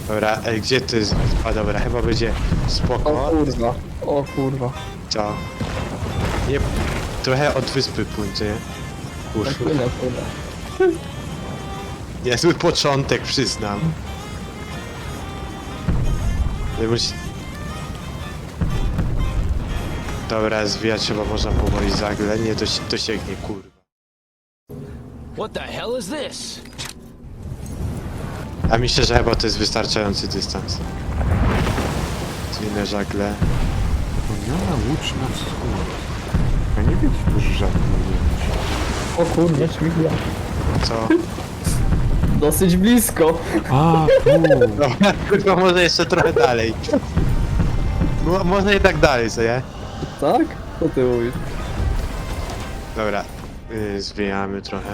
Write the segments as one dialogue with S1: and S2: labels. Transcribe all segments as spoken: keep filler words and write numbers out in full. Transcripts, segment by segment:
S1: Dobra, ej, gdzie ty jest? A dobra, chyba będzie
S2: O
S1: spoko.
S2: kurwa, o kurwa.
S1: Co? Nie, trochę od wyspy płyńcie.
S2: Tak
S1: Kurwa.
S2: płynę, płynę.
S1: Niezły początek, przyznam. Nie musi... Dobra, zwijać trzeba można powoli zagle, nie dosi dosięgnie, kurwa.
S3: What the hell is this?
S1: A myślę, że chyba to jest wystarczający dystans. Zwinę żagle.
S4: Wspomniana łódź na wschód. Ja nie wiem, czy to żadnej łódź.
S2: O kurwa, śmigła.
S1: Co?
S2: Dosyć blisko.
S4: A, tu!
S1: Dobra, kurwa, może jeszcze trochę dalej. Mo może i tak dalej, co nie?
S2: Tak? Co ty mówisz?
S1: Dobra, yy, zwijamy trochę.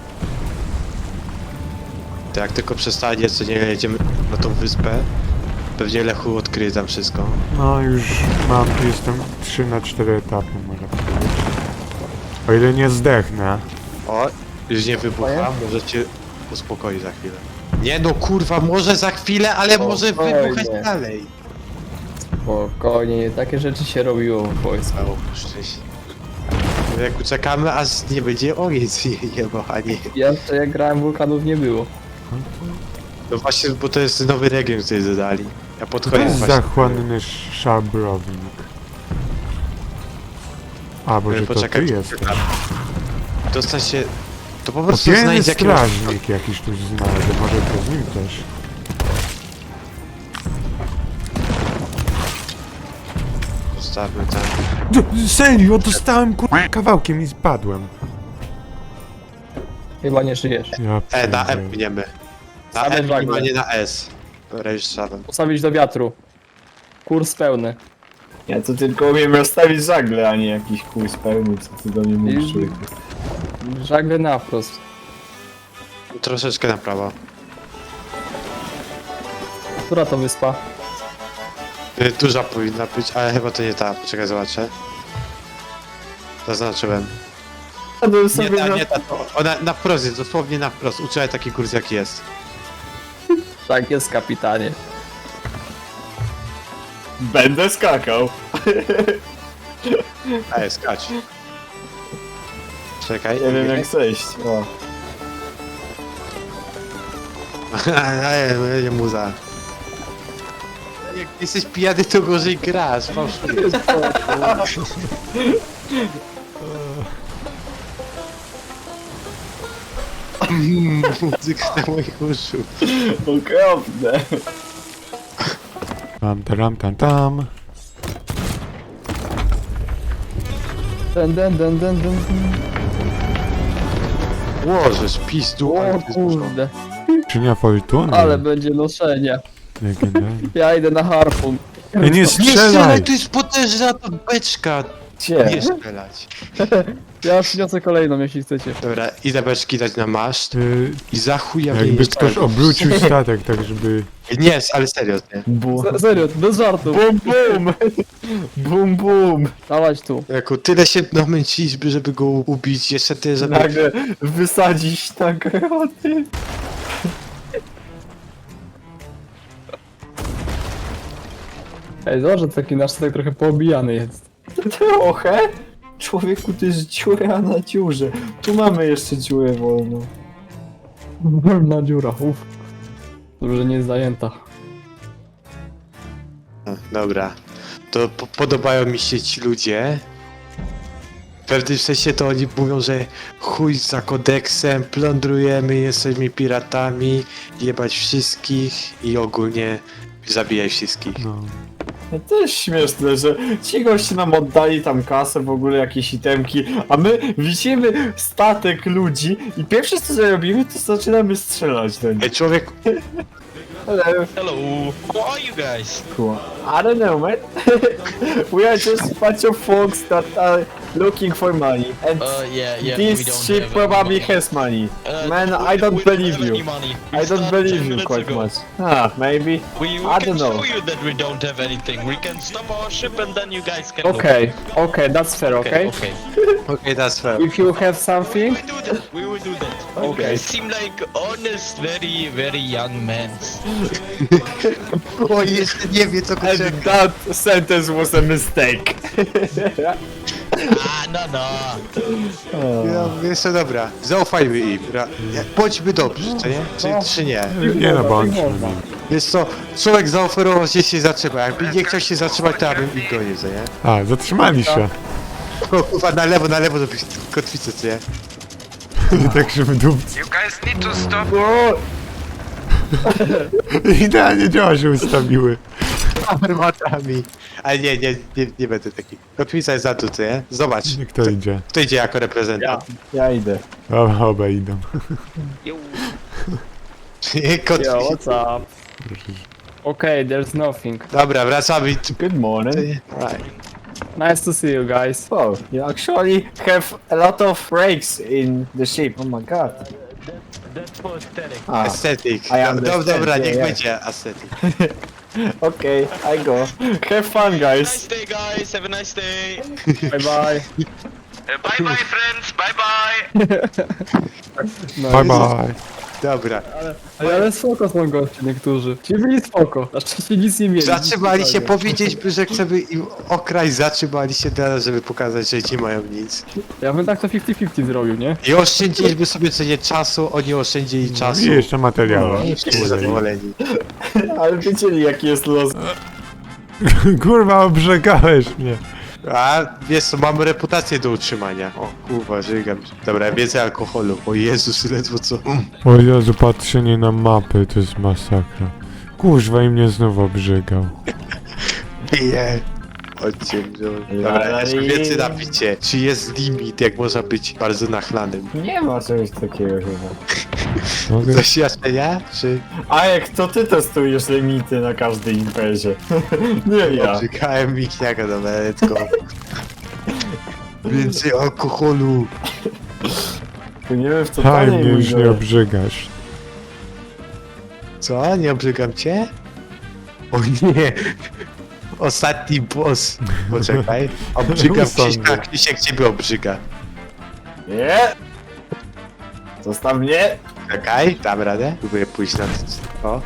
S1: To jak tylko przestanie, co nie jedziemy na tą wyspę, pewnie Lechu odkryje tam wszystko.
S4: No już mam, jestem trzy na cztery etapy, można powiedzieć. O ile nie zdechnę.
S1: O, już nie wybucha, może cię uspokoi za chwilę. Nie no kurwa, może za chwilę, ale może
S2: Spokojnie.
S1: wybuchać dalej.
S2: Spokojnie, nie takie rzeczy się robiło w wojsku.
S1: O, szczęście. Jak uczekamy, aż nie będzie ogień jebał, a nie.
S2: Jeszcze jak grałem wulkanów nie było.
S1: No właśnie, bo to jest nowy region, który dodali. Ja pod
S4: To
S1: koniec
S4: jest
S1: właśnie...
S4: zachłanny szabrownik. A, Boże, to ty
S1: Poczekaj,
S4: jesteś.
S1: Dostać się... To po prostu
S4: Popielny
S1: znajdź jakiegoś...
S4: strażnik jakiś tu znajdę, może to z nim też.
S1: Zostawmy tam.
S4: D serio, dostałem kur... kawałkiem i spadłem.
S2: Chyba nie żyjesz.
S4: Ja
S1: E, na E
S4: pierdzielę.
S1: płyniemy. Na
S2: Same
S1: E,
S2: żagle.
S1: a nie na S. Dobra, już szedłem.
S2: Postawić do wiatru. Kurs pełny.
S5: Ja to tylko umiem rozstawić żagle, a nie jakiś kurs pełny, co ty do mnie mówisz.
S2: I-
S5: człowieku.
S2: Żagle na wprost.
S1: Troszeczkę na prawo.
S2: Która to wyspa?
S1: Y, Duża powinna być, ale chyba to nie ta. Poczekaj, zobaczę. Zaznaczyłem.
S5: Ja bym
S1: Nie
S5: sobie
S1: ta,
S5: na...
S1: nie ta. to- Ona na wprost jest, dosłownie na wprost. Uczyłem taki kurs jaki jest.
S2: Tak jest, kapitanie.
S5: Będę skakał.
S1: Ej, skacz. Czekaj.
S5: Nie wiem jak zejść. O.
S1: Ej, nie muza. Jak jesteś pijany, to gorzej grasz, fałszujesz. Mm, muzyka na moich uszu.
S5: Okropne.
S4: Tam, tam, tam, tam.
S2: Den, den, den, den, den.
S1: Łożesz, pizdu, ale
S2: O
S1: to jest dużo.
S2: kurde.
S4: Czynia fortuny.
S2: Ale będzie noszenia.
S4: Legendarny.
S2: Ja idę na harpun.
S4: Ej, nie
S1: Nie strzelaj,
S4: strzelaj!
S1: to jest potężna ta beczka.
S5: Gdzie?
S1: Nie strzelać.
S2: Ja przyniosę kolejną, jeśli chcecie.
S1: Dobra, idę beczki dać na maszt
S4: Y,
S1: i za chuja
S4: jakby
S1: wyjeżdżać.
S4: ktoś obrócił statek, tak żeby...
S1: Nie, ale serio, nie.
S5: Bum.
S2: Se- Serio, bez żartu.
S5: Bum bum! Bum bum!
S2: Dawać tu.
S1: Jako tyle się namęciliśmy, żeby go ubić, jeszcze ty, żeby...
S5: Nagle wysadzić tak roty.
S2: Ej, zobacz, że taki nasz statek trochę poobijany jest.
S5: Trochę? Człowieku, to jest dziura na dziurze. Tu mamy jeszcze dziurę wolną.
S2: Wolna dziura, uff. Dobrze, że nie jest zajęta.
S1: Dobra, to po podobają mi się ci ludzie. W pewnym sensie to oni mówią, że chuj za kodeksem, plądrujemy, jesteśmy piratami, jebać wszystkich i ogólnie zabijaj wszystkich.
S4: No.
S5: No to jest śmieszne, że ci goście nam oddali tam kasę, w ogóle jakieś itemki, a my widzimy statek ludzi i pierwsze co zrobimy, to zaczynamy strzelać do nich.
S1: Ej, człowiek,
S5: Ale
S3: Hello. Who are you guys?
S5: Cool. I don't know, man. We are just a bunch of folks that are looking for money, and
S6: Uh, yeah, yeah. we
S5: this
S6: don't
S5: ship
S6: have any
S5: probably
S6: money.
S5: has money.
S6: Uh,
S5: Man,
S6: we-
S5: I don't
S6: we
S5: believe
S6: have
S5: you.
S6: any money. We
S5: I don't
S6: started
S5: believe
S6: ten
S5: you
S6: minutes
S5: quite
S6: ago.
S5: much. Ah, maybe.
S6: We, we
S5: I
S6: can
S5: don't know.
S6: show you that we don't have anything. We can stop our ship and then you guys can
S2: Okay, okay, that's fair,
S6: look.
S2: okay?
S6: Okay.
S1: Okay, that's fair.
S2: If you have something,
S6: We will do that. We will do that.
S2: Okay.
S6: You guys seem like honest, very, very young men.
S1: O, jeszcze nie wie co
S5: And
S1: kurczę.
S5: that sentence was a mistake.
S6: Ah, no, no.
S1: Ja, jeszcze dobra, zaufajmy im. Ra- nie, Bądźmy dobrzy, co nie? Czy, czy nie?
S4: Nie no, bądźmy.
S2: można.
S1: Wiesz co, człowiek zaoferował się się zatrzyma. Jakby nie chciał się zatrzymać, to ja bym ich gonił, co nie?
S4: A, zatrzymali się.
S1: O, kurwa, na lewo, na lewo, żeby kotwicę, co nie?
S4: Tak, żeby dupcy.
S7: You guys need to stop.
S4: Idealnie działa się ustawiły.
S1: Armatami. Ale nie, nie, nie, nie będę taki. Kotwica jest za tu, co nie? Zobacz.
S4: Kto idzie?
S1: Kto idzie jako reprezentant?
S5: Ja idę.
S4: Oba, oba idą.
S1: Nie, Kotwica.
S2: Yo, what's up? Okay, there's nothing.
S1: Dobra, wracamy.
S5: Good morning.
S1: Right.
S2: Nice to see you guys.
S5: Oh, you actually have a lot of breaks in the ship. Oh my god.
S6: That's for aesthetic.
S5: Ah,
S1: Aesthetic.
S5: I
S1: Do, do,
S5: understand,
S1: dobra,
S5: yeah,
S1: niech
S5: yeah.
S1: będzie aesthetic.
S5: okay, I go. Have fun, guys.
S6: Nice day, guys. Have a nice day.
S2: Bye bye.
S7: Uh, bye bye, friends. Bye bye.
S2: No,
S4: Bye bye.
S1: Dobra.
S2: Ale, ale spoko są goście niektórzy. Ci byli spoko. Znaczy się nic nie mieli.
S1: Zatrzymali się,
S2: Nic
S1: powiedzieliśmy, że chcemy im okraść, zatrzymali się teraz, żeby pokazać, że nie mają nic.
S2: Ja bym tak to pięćdziesiąt pięćdziesiąt zrobił, nie?
S1: I oszczędziliśmy sobie co nie czasu, oni oszczędzili czasu.
S4: I jeszcze materiały.
S1: I wszyscy zadowoleni.
S5: Ale wiedzieli, jaki jest los.
S4: Kurwa, obrzegałeś mnie.
S1: A wiesz co, mamy reputację do utrzymania. O kurwa, żygam. Dobra, więcej alkoholu. O Jezus, ledwo co.
S4: O Jezu, patrzenie na mapy to jest masakra. Kurwa, i mnie znowu obrzegał.
S1: Piję. Chodźcie, no. Dobra, jeszcze więcej napicie. Czy jest limit, jak można być bardzo nachlanym?
S5: Nie ma czegoś takiego chyba.
S4: Mogę?
S1: Doświadczenia? Czy...
S5: A jak to ty testujesz limity na każdej imprezie? Nie ja.
S1: Obrzykałem Michniaka, dobra, let's go. Więcej alkoholu.
S5: To nie wiem w co
S4: Haj,
S5: dalej
S4: mnie już nie
S5: mówię.
S4: obrzygasz.
S1: Co? Nie obrzygam cię? O nie! Ostatni boss. Poczekaj. Obrzygam
S4: Sądzę.
S1: Krzyśka, Krzysiek ciebie obrzyga.
S5: Nie! Zostaw mnie!
S1: Czekaj, dam radę. Próbuję pójść na to. O.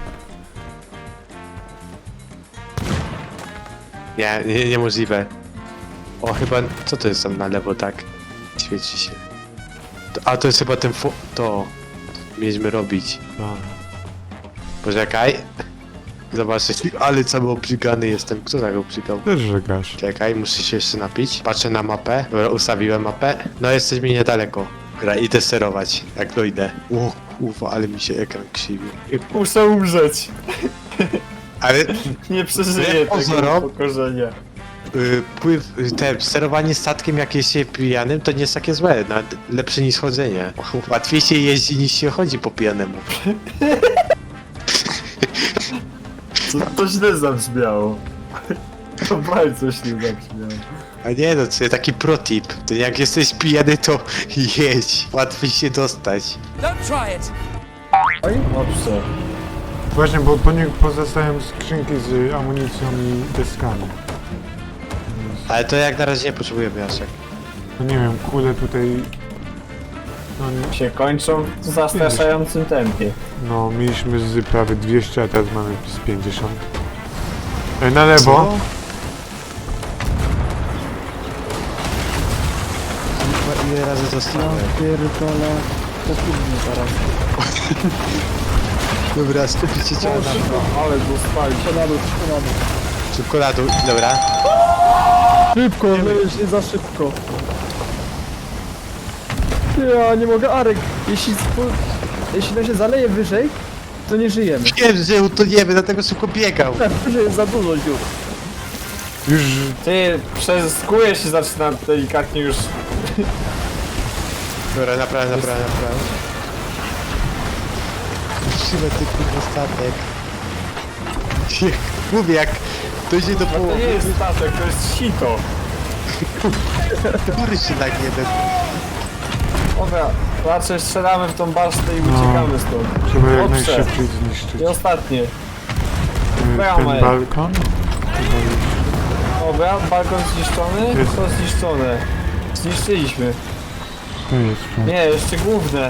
S1: Nie, nie, niemożliwe. O, chyba... Co to jest tam na lewo, tak? Świeci się. To, a, to jest chyba ten fo... To... Mieliśmy robić. Poczekaj. Zobacz, ale cały obrzygany jestem. Kto tak obrzygał?
S4: Też żegasz.
S1: Czekaj, muszę się jeszcze napić. Patrzę na mapę. Dobra, ustawiłem mapę. No jesteśmy niedaleko. Gra, idę sterować, jak dojdę. O kurwa, ale mi się ekran krzywi.
S5: Muszę umrzeć.
S1: Ale
S5: Nie przeżyję
S1: Wbrew
S5: tego
S1: pozorom-
S5: upokorzenia.
S1: y, pływ, y, te, sterowanie statkiem jak jest się pijanym to nie jest takie złe, nawet lepsze niż chodzenie. Łatwiej się jeździ niż się chodzi po pijanemu.
S5: To, to źle zabrzmiało. To bardzo źle zabrzmiało.
S1: A nie no, to jest taki pro tip. To jak jesteś pijany to jedź. Łatwiej się dostać.
S3: Don't try it.
S5: Dobrze.
S4: Właśnie, bo po nich pozostają skrzynki z amunicją i deskami.
S1: Ale to jak na razie nie potrzebujemy Jaszek.
S4: No nie wiem, kule tutaj... No, nie-
S5: Się kończą w zastraszającym tempie.
S4: no mieliśmy z prawie dwieście, a teraz mamy z pięćdziesiąt. E, na lewo.
S1: Ile razy zostałem?
S2: Pierdolę. Popóźnię teraz.
S1: Dobra, skupić się ciało na
S5: Ale dostali.
S2: Na dół, na dół.
S1: Szybko na dół, dobra.
S2: Szybko, no już nie za szybko. Ja nie mogę, Arek. Jeśli, spo- jeśli to się zaleje wyżej, to nie żyjemy.
S1: Wiem, że utoniemy, dlatego szybko biegał.
S2: Tak, wyżej jest za dużo dziur.
S4: Już...
S5: Ty, przez skórę się zaczyna delikatnie już...
S1: Dobra, naprawdę, naprawdę, naprawdę. Musimy ty kurwa statek. Jak- Mówię, jak To idzie do
S5: To
S1: połowy.
S5: nie jest statek, to jest sito.
S1: Góry się tak jeden.
S5: Dobra, raczej strzelamy w tą basztę i
S4: No.
S5: uciekamy stąd.
S4: Trzeba jak
S5: Dobrze.
S4: najszybciej zniszczyć.
S5: I ostatnie.
S4: Y,
S5: bramę.
S4: Ten balkon?
S5: Dobra, balkon zniszczony?
S4: Jest.
S5: To zniszczone. Zniszczyliśmy.
S4: To jest to.
S5: Nie, jeszcze główne.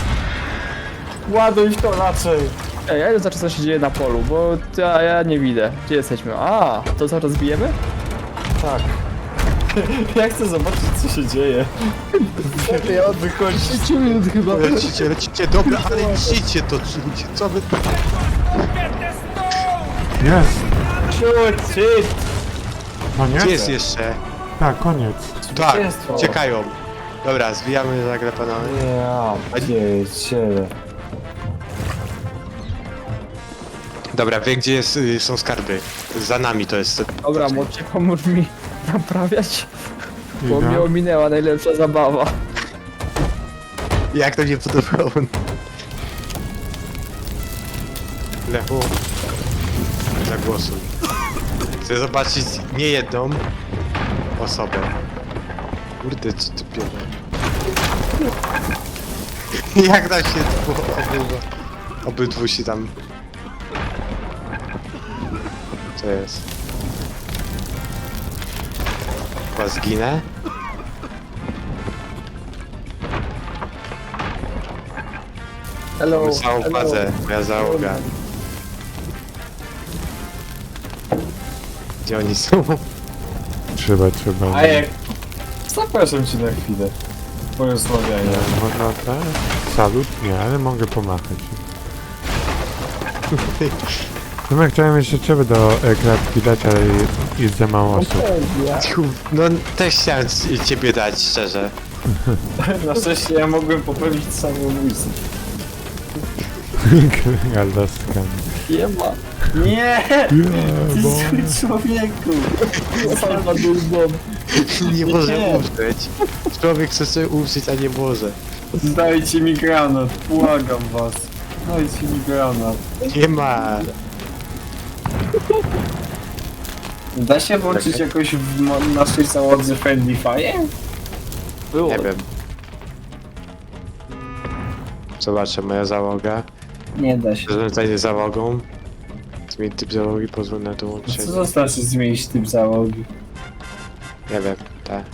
S5: Ładuj w to raczej.
S2: Ej, ja idę zobaczyć co się dzieje na polu, bo ja, ja nie widzę. Gdzie jesteśmy? A, to co rozbijemy?
S5: Tak. Ja chcę zobaczyć co się dzieje. Ja wychodzi.
S2: pięć minut chyba.
S1: Lecicie, lecicie, dobra, ale niszczycie to, ludzie, co wy...
S4: Jest!
S5: Shoot, shit.
S4: Koniec?
S1: Gdzie jest jeszcze?
S4: Tak, koniec.
S1: Tak,
S5: Zwycięstwo.
S1: uciekają. Dobra, zwijamy nagle panowie.
S5: Ja, pierdziele.
S1: Dobra, wiem gdzie jest, y, są skarby. Za nami to jest.
S2: Dobra, Mocie, pomóż mi naprawiać, bo mnie
S4: Idę.
S2: ominęła najlepsza zabawa.
S1: Jak to nie podobało? Lechu, zagłosuj. Chcę zobaczyć nie jedną osobę. Kurde, co ty pierdolę. Jak tam się obydwu, obydwu się tam... Co jest? Chyba zginę?
S2: Hello,
S1: Całą
S2: hello.
S1: bazę, moja załoga. Gdzie oni są?
S4: Trzeba, trzeba.
S5: A jak... Zapraszam cię na chwilę. Porozmawiania.
S4: Nie, można tak? Salut? Nie, ale mogę pomachać. No ja chciałem jeszcze ciebie do e, klatki dać, ale jest za mało osób.
S1: No też chciałem c- ciebie dać, szczerze.
S5: Na szczęście ja mogłem popełnić samobójstwo.
S4: Galaskami.
S2: Nie ma.
S5: Nie! Ty
S4: bo...
S5: zły człowieku!
S2: Sama długą.
S1: Nie może
S5: Nie.
S1: umrzeć. Człowiek chce sobie umrzeć, a nie może.
S5: Dajcie mi granat, błagam was. Dajcie mi granat.
S1: Nie ma.
S5: Da się włączyć jakoś w mo- naszej załodze Friendly Fire?
S2: Było.
S1: Nie wiem. Zobaczę, moja załoga.
S5: Nie da się.
S1: Zarządzanie załogą. Zmień typ załogi, pozwól na
S5: Co
S1: dołączenie.
S5: to znaczy zmienić typ załogi?
S1: Nie wiem, tak.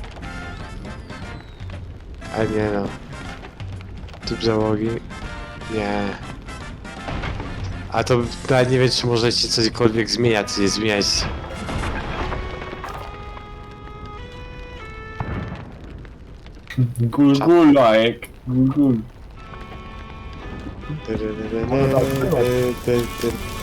S1: Ale nie no. Typ załogi? Nie. A to nawet nie wiem, czy możecie cośkolwiek zmieniać, czy nie zmieniać.
S5: Gul gul like. Gul gul.
S1: Ty, ty, ty, ty, ty, ty, ty.